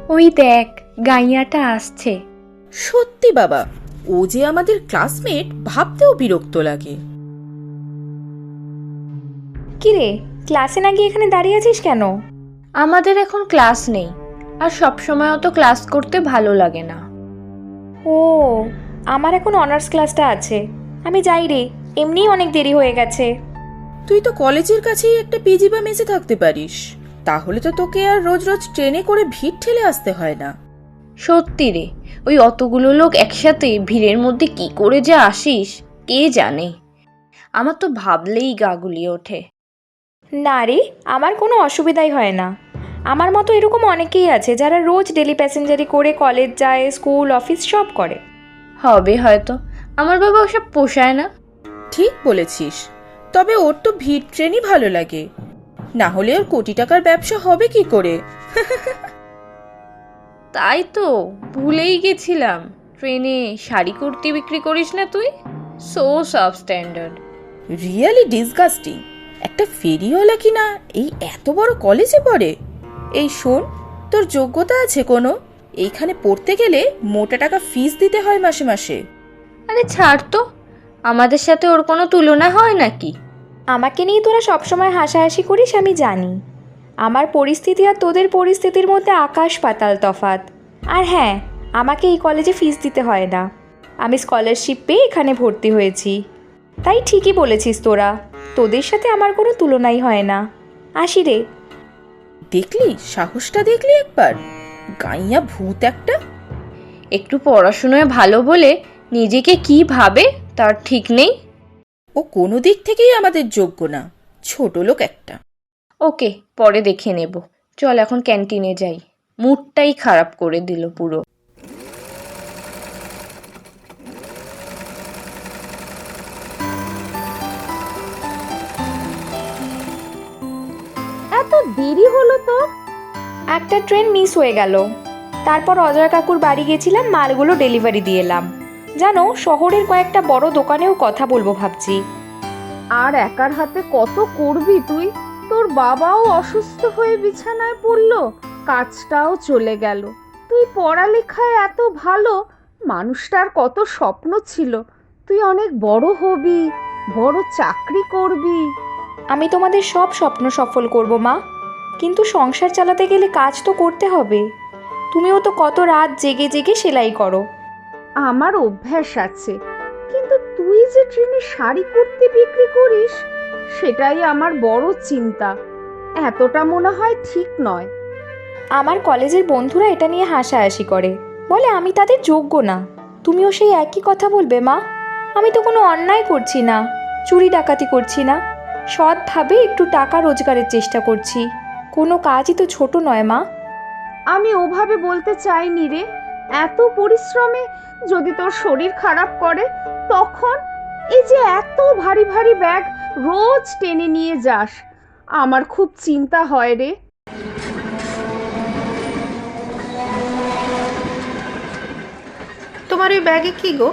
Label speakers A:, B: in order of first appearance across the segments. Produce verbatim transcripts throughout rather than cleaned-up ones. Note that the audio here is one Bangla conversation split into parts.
A: ওই দেখ, গাইয়াটা আসছে।
B: সত্যি বাবা, ও যে আমাদের ক্লাসমেট ভাবতেও বিরক্ত লাগে।
C: কিরে, ক্লাসে না গিয়ে এখানে দাঁড়িয়ে আছিস কেন?
A: আমাদের এখন ক্লাস নেই, আর সবসময় অত ক্লাস করতে ভালো লাগে না।
C: ও, আমার এখন অনার্স ক্লাসটা আছে, আমি যাই রে, এমনিই অনেক দেরি হয়ে গেছে।
B: তুই তো কলেজের কাছেই একটা পিজি বা মেসে থাকতে পারিস, তাহলে তো তোকে আর রোজ রোজ ট্রেনে করে ভিড় ঠেলে আসতে হয় না।
A: সত্যি রে, ওই অতগুলো লোক একসাথে ভিড়ের মধ্যে কি করে যে আসিস কে জানে। আমার তো ভাবলেই গা গুলিয়ে ওঠে।
C: না রে, আমার কোনো অসুবিধাই হয় না। আমার মতো এরকম অনেকেই আছে যারা রোজ ডেলি প্যাসেঞ্জারি করে কলেজ যায়, স্কুল অফিস সব করে।
A: হবে হয়তো, আমার বাবা ওসব পোষায় না।
B: ঠিক বলেছিস, তবে ওর তো ভিড় ট্রেনই ভালো লাগে, না হলে ওর কোটি টাকার ব্যবসা হবে কি করে।
A: তাই তো ভুলেই গেছিলাম, ট্রেনে শাড়ি কুর্তি বিক্রি করিস না তুই? So substandard.
B: রিয়েলি ডিসগাস্টিং, একটা ফেরিওয়ালা কিনা এই এত বড় কলেজে পড়ে। এই শোন, তোর যোগ্যতা আছে কোনো? এইখানে পড়তে গেলে মোটা টাকা ফিস দিতে হয় মাসে মাসে।
A: আরে ছাড় তো, আমাদের সাথে ওর কোনো তুলনা হয় নাকি?
C: আমাকে নিয়ে তোরা সবসময় হাসাহাসি করিস, আমি জানি। আমার পরিস্থিতি আর তোদের পরিস্থিতির মধ্যে আকাশ পাতাল তফাৎ। আর হ্যাঁ, আমাকে এই কলেজে ফিস দিতে হয় না, আমি স্কলারশিপ পেয়ে এখানে ভর্তি হয়েছি। তাই ঠিকই বলেছিস তোরা, তোদের সাথে আমার কোনো তুলনাই হয় না। আসি রে।
B: দেখলি সাহসটা, দেখলি একবার? গাইয়া ভূত একটা।
A: একটু পড়াশুনোয় ভালো বলে নিজেকে কি ভাবে তার ঠিক নেই।
B: ও কোনো দিক থেকেই আমাদের যোগ্য না, ছোট লোক একটা।
A: ওকে, পরে দেখে নেব। চল এখন ক্যান্টিনে যাই, মুডটাই খারাপ করে দিল পুরো।
C: এত দেরি হলো তো? একটা ট্রেন মিস হয়ে গেল। তারপর অজয় কাকুর বাড়ি গেছিলাম, মালগুলো ডেলিভারি দিয়ে এলাম। জানো, শহরের কয়েকটা বড় দোকানেও কথা বলবো ভাবছি।
D: আর একার হাতে কত করবি তুই? তোর বাবাও অসুস্থ হয়ে বিছানায় পড়লো, কাজটাও চলে গেল। তুই পড়ালেখায় এত ভালো, মানুষটার কত স্বপ্ন ছিল তুই অনেক বড় হবি, বড় চাকরি করবি।
C: আমি তোমাদের সব স্বপ্ন সফল করব মা, কিন্তু সংসার চালাতে গেলে কাজ তো করতে হবে। তুমিও তো কত রাত জেগে জেগে সেলাই করো।
D: আমার অভ্যাস আছে, কিন্তু তুই যে ট্রেনে শাড়ি কুর্তি বিক্রি করিস, সেটাই আমার বড় চিন্তা। এতটা মনে হয় ঠিক নয়।
C: আমার কলেজের বন্ধুরা এটা নিয়ে হাসাহাসি করে, বলে আমি তাদের যোগ্য না। তুমিও সেই একই কথা বলবে মা? আমি তো কোনো অন্যায় করছি না, চুরি ডাকাতি করছি না, সৎভাবে একটু টাকা রোজগারের চেষ্টা করছি। কোনো কাজই তো ছোট নয় মা।
D: আমি ওভাবে বলতে চাইনি রে। এত পরিশ্রমে যদি তোর শরীর খারাপ করে, তখন এই যে এত ভারী ভারী ব্যাগ রোজ টেনে নিয়ে যাস, আমার খুব চিন্তা হয় রে।
E: তোমার ওই ব্যাগে কি গো?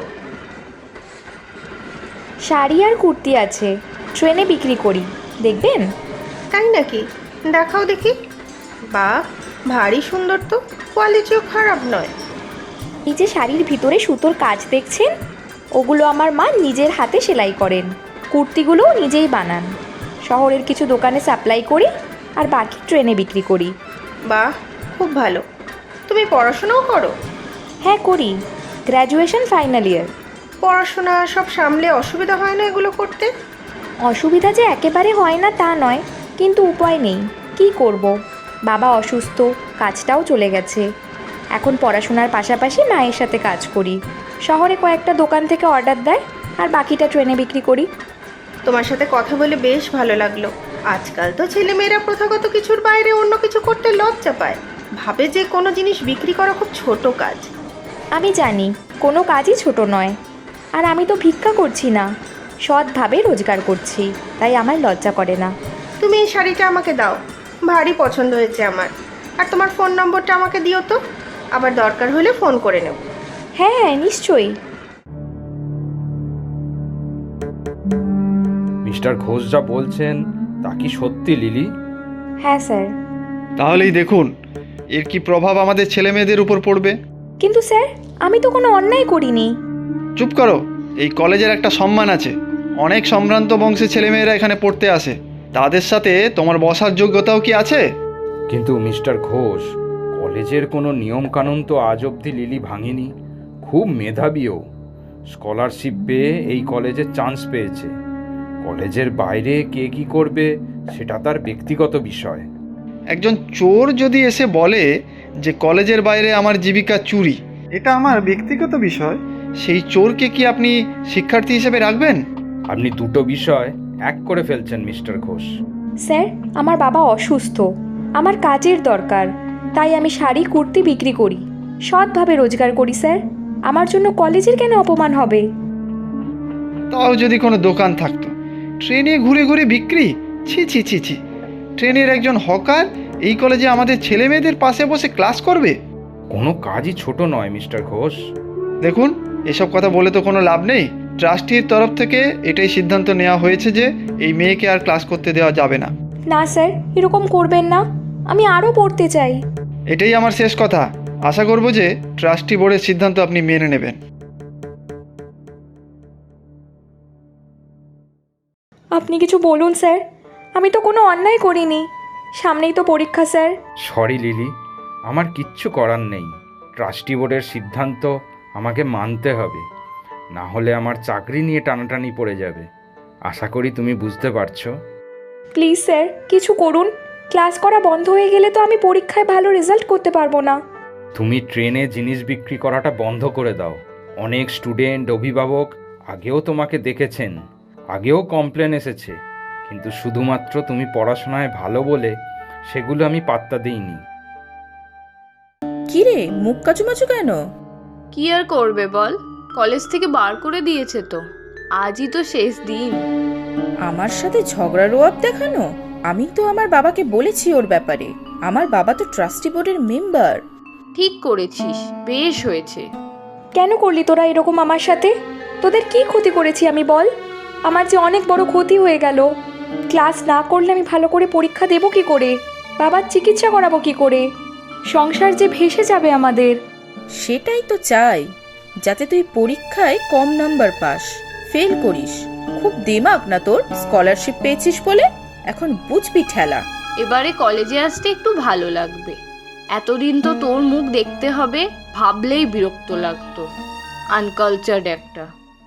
C: শাড়ি আর কুর্তি আছে, ট্রেনে বিক্রি করি, দেখবেন?
E: তাই নাকি? দেখাও দেখি। বাহ, ভারী সুন্দর তো, কোয়ালিটিও খারাপ নয়।
C: এই যে শাড়ির ভিতরে সুতোর কাজ দেখছেন, ওগুলো আমার মা নিজের হাতে সেলাই করেন। কুর্তিগুলোও নিজেই বানান। শহরের কিছু দোকানে সাপ্লাই করি, আর বাকি ট্রেনে বিক্রি করি।
E: বাহ, খুব ভালো। তুমি পড়াশোনাও করো?
C: হ্যাঁ করি, গ্র্যাজুয়েশন ফাইনাল ইয়ার।
E: পড়াশোনা সব সামলে অসুবিধা হয় না এগুলো করতে?
C: অসুবিধা যে একেবারে হয় না তা নয়, কিন্তু উপায় নেই, কি করব। বাবা অসুস্থ, কাজটাও চলে গেছে। এখন পড়াশোনার পাশাপাশি মায়ের সাথে কাজ করি। শহরে কয়েকটা দোকান থেকে অর্ডার দেয়, আর বাকিটা ট্রেনে বিক্রি করি।
E: তোমার সাথে কথা বলে বেশ ভালো লাগলো। আজকাল তো ছেলেমেয়েরা প্রথাগত কিছুর বাইরে অন্য কিছু করতে লজ্জা পায়, ভাবে যে কোনো জিনিস বিক্রি করা খুব ছোট কাজ।
C: আমি জানি কোনো কাজই ছোট নয়, আর আমি তো ভিক্ষা করছি না, সৎভাবে রোজগার করছি, তাই আমার লজ্জা করে না।
E: তুমি এই শাড়িটা আমাকে দাও, ভারী পছন্দ হয়েছে আমার। আর তোমার ফোন নম্বরটা আমাকে দিও তো, আবার দরকার হলে ফোন করে নেব।
C: হ্যাঁ হ্যাঁ, নিশ্চয়ই।
F: মিস্টার ঘোষ যা বলছেন তা কি সত্যি লিলি?
C: হ্যাঁ স্যার।
G: তাহলেই দেখুন,
F: এর কি প্রভাব আমাদের ছেলে মেয়েদের উপর পড়বে?
C: কিন্তু স্যার, আমি তো কোনো অন্যায় করিনি।
F: চুপ করো। এই কলেজের একটা সম্মান আছে। অনেক সম্ভ্রান্ত বংশের ছেলেমেয়েরা এখানে পড়তে আসে। তাদের সাথে তোমার বসার যোগ্যতাও কি আছে?
G: কিন্তু মিস্টার ঘোষ, কলেজের কোনো নিয়মকানুন তো আজ অবধি লিলি ভাঙেনি। খুব মেধাবীও, স্কলারশিপ পেয়ে এই কলেজে চান্স পেয়েছে। কলেজের বাইরে কে কি করবে সেটা তার ব্যক্তিগত বিষয়।
F: একজন চোর যদি এসে বলে যে কলেজের বাইরে আমার জীবিকা চুরি, এটা আমার ব্যক্তিগত বিষয়, সেই চোরকে কি আপনি শিক্ষার্থী হিসেবে রাখবেন?
G: আপনি দুটো বিষয় এক করে ফেলছেন মিস্টার ঘোষ।
C: স্যার, আমার বাবা অসুস্থ, আমার কাজের দরকার, তাই আমি শাড়ি কুর্তি বিক্রি করি, সৎভাবে রোজগার করি স্যার। আমার জন্য কলেজের কেন অপমান হবে?
F: তাও যদি কোনো দোকান থাকতো। ট্রেনে ঘুরে ঘুরে বিক্রি, ছি ছি ছি ছি। ট্রেনের একজন হকার এই কলেজে আমাদের ছেলে মেয়েদের পাশে বসে ক্লাস করবে?
G: কোনো কাজই ছোট নয় মিস্টার ঘোষ।
F: দেখুন, এসব কথা বলে তো কোনো লাভ নেই। ট্রাস্টির তরফ থেকে এটাই সিদ্ধান্ত নেওয়া হয়েছে যে এই মেয়েকে আর ক্লাস করতে দেওয়া যাবে না।
C: না স্যার, এরকম করবেন না, আমি আরও পড়তে চাই।
F: এটাই আমার শেষ কথা। আশা করব যে ট্রাস্টি বোর্ডের সিদ্ধান্ত আপনি মেনে নেবেন।
C: আপনি কিছু বলুন স্যার, আমি তো কোনো অন্যায় করিনি। সামনেই তো পরীক্ষা স্যার।
G: সরি লিলি, আমার কিচ্ছু করার নেই। ট্রাস্টি বোর্ডের সিদ্ধান্ত আমাকে মানতে হবে, না হলে আমার চাকরি নিয়ে টানাটানি পড়ে যাবে। আশা করি তুমি বুঝতে পারছো।
C: প্লিজ স্যার, কিছু করুন। ক্লাস করা বন্ধ হয়ে গেলে তো আমি পরীক্ষায় ভালো রেজাল্ট করতে পারবো না।
G: তুমি ট্রেনে জিনিস বিক্রি করাটা বন্ধ করে দাও। অনেক স্টুডেন্ট, অভিভাবক আগেও তোমাকে দেখেছেন, আগেও কমপ্লেন এসেছে, কিন্তু শুধুমাত্র তুমি পড়াশোনায় ভালো বলে সেগুলো আমি পাত্তা দিইনি।
B: কিরে, মুখ কাচুমাচু কেন?
A: কি আর করবে বল, কলেজ থেকে বার করে দিয়েছে তো। আজই তো শেষ দিন।
B: আমার সাথে ঝগড়ার ওয়াব দেখানো? আমি তো আমার বাবাকে বলেছি ওর ব্যাপারে। আমার বাবা তো ট্রাস্টি বোর্ডের মেম্বার।
A: ঠিক করেছিস, বেশ হয়েছে।
C: কেন করলি তোরা এরকম আমার সাথে? তোদের কি ক্ষতি করেছি আমি বল? আমার যে অনেক বড় ক্ষতি হয়ে গেল। ক্লাস না করলে আমি ভালো করে পরীক্ষা দেবো কি করে? বাবার চিকিৎসা করাবো কি করে? সংসার যে ভেসে যাবে আমাদের।
B: সেটাই তো চাই, যাতে তুই পরীক্ষায় কম নাম্বার পাস, ফেল করিস। খুব দেমাগ না তোর? স্কলারশিপ পেয়েছিস বলে এখন বুঝবি ঠেলা।
A: এবারে কলেজে আসতে একটু ভালো লাগবে। এতদিন তো তোর মুখ দেখতে হবে ভাবলেই বিরক্ত লাগতো। আনকালচার্ড একটা।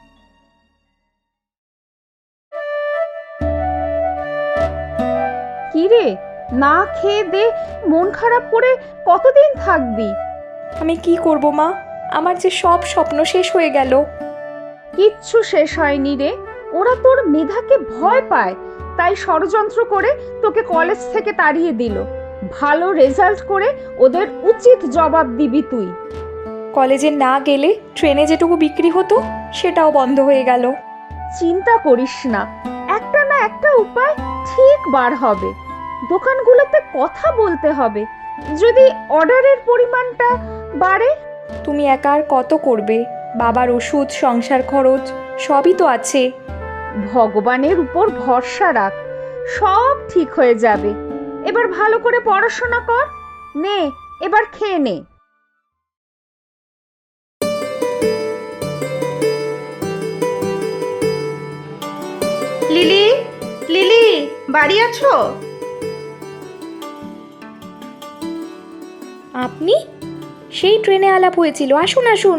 D: কি রে, না খেয়ে দে মন খারাপ করে কতদিন থাকবি?
C: আমি কি করব মা? আমার যে সব স্বপ্ন শেষ হয়ে গেল।
D: কিচ্ছু শেষ হয়নি রে। ওরা তোর মেধাকে ভয় পায়, তাই ষড়যন্ত্র করে তোকে কলেজ থেকে তাড়িয়ে দিল। ভালো রেজাল্ট করে ওদের উচিত জবাব দিবি তুই।
C: কলেজে না গেলে ট্রেনে যেটুকু বিক্রি হতো সেটাও বন্ধ হয়ে গেল।
D: চিন্তা করিস না, একটা না একটা উপায় ঠিক বার হবে। দোকানগুলোতে কথা বলতে হবে, যদি অর্ডারের পরিমাণটা বাড়ে।
C: তুমি একা আর কত করবে? বাবার ওষুধ, সংসার খরচ সবই তো আছে।
D: ভগবানের উপর ভরসা রাখ, সব ঠিক হয়ে যাবে। এবার ভালো করে পড়াশোনা কর। নে, এবার খেয়ে নে।
E: লিলি, লিলি, বাড়ি আছো?
C: আপনি? সেই ট্রেনে আলাপ হয়েছিল, আসুন আসুন।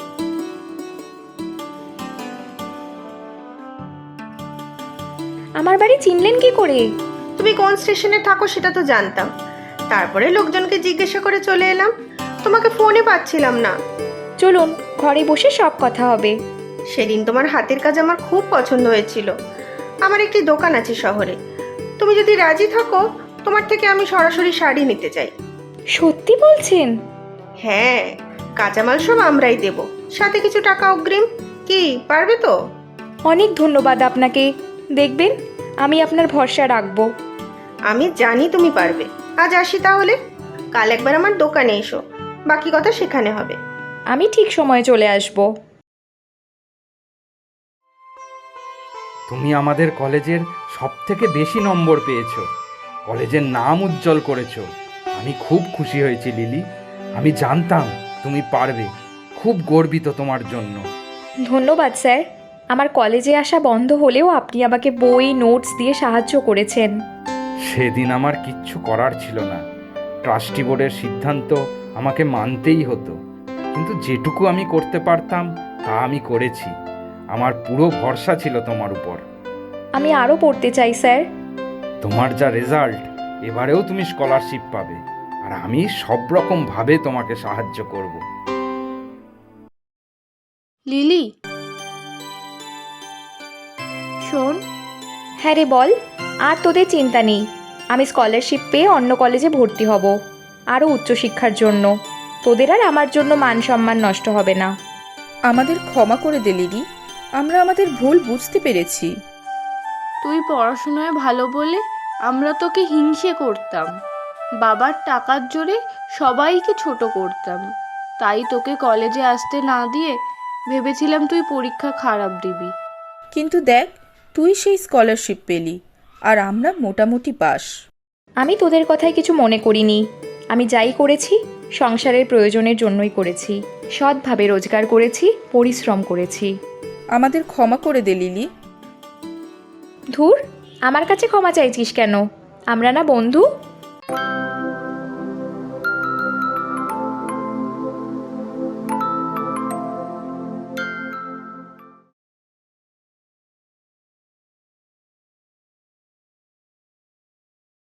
C: আমার বাড়ি চিনলেন কি করে?
E: তুমি কোন স্টেশনে থাকো সেটা তো জানতাম, তারপরে লোকজনকে জিজ্ঞাসা করে চলে এলাম। তোমাকে ফোনে পাচ্ছিলাম না।
C: চলুন, ঘরে বসে সব কথা হবে।
E: সেদিন তোমার হাতের কাজ আমার খুব পছন্দ হয়েছিল। আমার একটি দোকান আছে শহরে, তুমি যদি রাজি থাকো তোমার থেকে আমি সরাসরি শাড়ি নিতে চাই।
C: সত্যি বলছেন?
E: হ্যাঁ, কাঁচামাল সব আমরাই দেব, সাথে কিছু টাকা অগ্রিম। কি পারবে তো?
C: অনেক ধন্যবাদ আপনাকে। দেখবেন, আমি আপনার ভরসা রাখবো।
E: আমি জানি তুমি পারবে। আজ আসি তাহলে, কাল একবার আমার দোকানে এসো, বাকি কথা সেখানে হবে।
C: আমি ঠিক সময়ে চলে আসব।
G: তুমি আমাদের কলেজের সব থেকে বেশি নম্বর পেয়েছো, কলেজের নাম উজ্জ্বল করেছো। আমি খুব খুশি হয়েছি লিলি। আমি জানতাম তুমি পারবে। খুব গর্বিত তোমার জন্য।
C: ধন্যবাদ স্যার। আমার কলেজে আসা বন্ধ হলেও আপনি আমাকে বই নোটস দিয়ে সাহায্য করেছেন।
G: সেদিন আমার কিচ্ছু করার ছিল না। ট্রাস্টি বোর্ডের সিদ্ধান্ত আমাকে মানতেই হতো, কিন্তু যেটুকু আমি করতে পারতাম তা আমি করেছি। আমার পুরো ভরসা ছিল তোমার উপর।
C: আমি আরও পড়তে চাই স্যার।
G: তোমার যা রেজাল্ট, এবারেও তুমি স্কলারশিপ পাবে, আর আমি সব রকম ভাবে তোমাকে সাহায্য করব।
A: লিলি, শোন,
C: হ্যাঁ রে বল। আর তোদের চিন্তা নেই, আমি স্কলারশিপ পেয়ে অন্য কলেজে ভর্তি হব, আরও উচ্চশিক্ষার জন্য। তোদের আর আমার জন্য মান সম্মান নষ্ট হবে না।
B: আমাদের ক্ষমা করে দে লিলি, আমরা আমাদের ভুল বুঝতে পেরেছি।
A: তুই পড়াশোনায় ভালো বলে আমরা তোকে হিংসে করতাম। বাবার টাকার জোরে সবাইকে ছোট করতাম। তাই তোকে কলেজে আসতে না দিয়ে ভেবেছিলাম তুই পরীক্ষা খারাপ দিবি।
B: কিন্তু দেখ, তুই সেই স্কলারশিপ পেলি, আর আমরা মোটামুটি পাস।
C: আমি তোদের কথায় কিছু মনে করিনি। আমি যাই করেছি সংসারের প্রয়োজনের জন্যই করেছি। সৎভাবে রোজগার করেছি, পরিশ্রম করেছি।
B: আমাদের ক্ষমা করে দে লিলি।
C: ধুর, আমার কাছে ক্ষমা চাইছিস কেন? আমরা না বন্ধু?